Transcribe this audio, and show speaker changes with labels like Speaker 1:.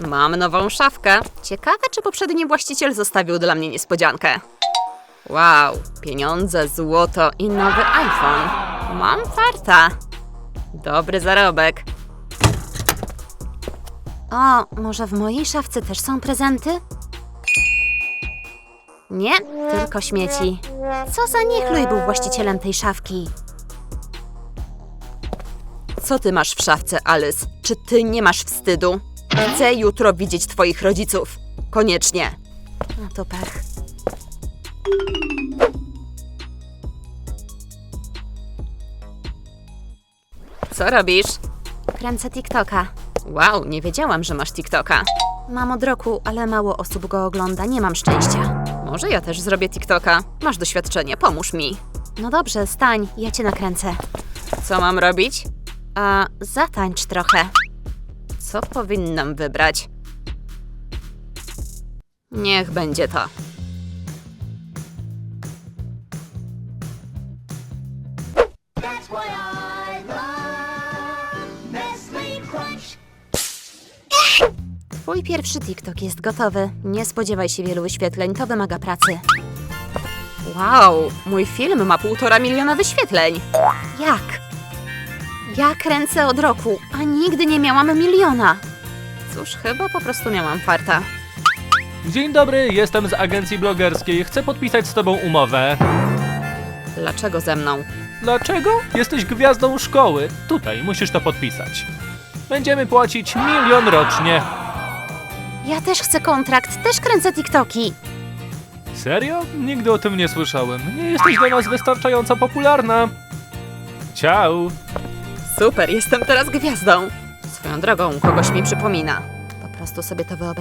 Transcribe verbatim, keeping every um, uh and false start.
Speaker 1: Mam nową szafkę. Ciekawe, czy poprzedni właściciel zostawił dla mnie niespodziankę. Wow, pieniądze, złoto i nowy iPhone. Mam farta. Dobry zarobek. O, może w mojej szafce też są prezenty? Nie, tylko śmieci. Co za niechluj był właścicielem tej szafki. Co ty masz w szafce, Alice? Czy ty nie masz wstydu? Chcę jutro widzieć twoich rodziców. Koniecznie. No to pech. Co robisz? Kręcę TikToka. Wow, nie wiedziałam, że masz TikToka. Mam od roku, ale mało osób go ogląda, nie mam szczęścia. Może ja też zrobię TikToka. Masz doświadczenie, pomóż mi. No dobrze, stań, ja cię nakręcę. Co mam robić? A zatańcz trochę. Co powinnam wybrać? Niech będzie to. Twój pierwszy TikTok jest gotowy. Nie spodziewaj się wielu wyświetleń, to wymaga pracy. Wow, mój film ma półtora miliona wyświetleń. Jak? Ja kręcę od roku, a nigdy nie miałam miliona. Cóż, chyba po prostu miałam farta.
Speaker 2: Dzień dobry, jestem z agencji blogerskiej. Chcę podpisać z tobą umowę.
Speaker 1: Dlaczego ze mną?
Speaker 2: Dlaczego? Jesteś gwiazdą szkoły. Tutaj musisz to podpisać. Będziemy płacić milion rocznie.
Speaker 1: Ja też chcę kontrakt, też kręcę TikToki.
Speaker 2: Serio? Nigdy o tym nie słyszałem. Nie jesteś dla nas wystarczająco popularna. Ciao.
Speaker 1: Super, jestem teraz gwiazdą. Swoją drogą, kogoś mi przypomina. Po prostu sobie to wyobrażam.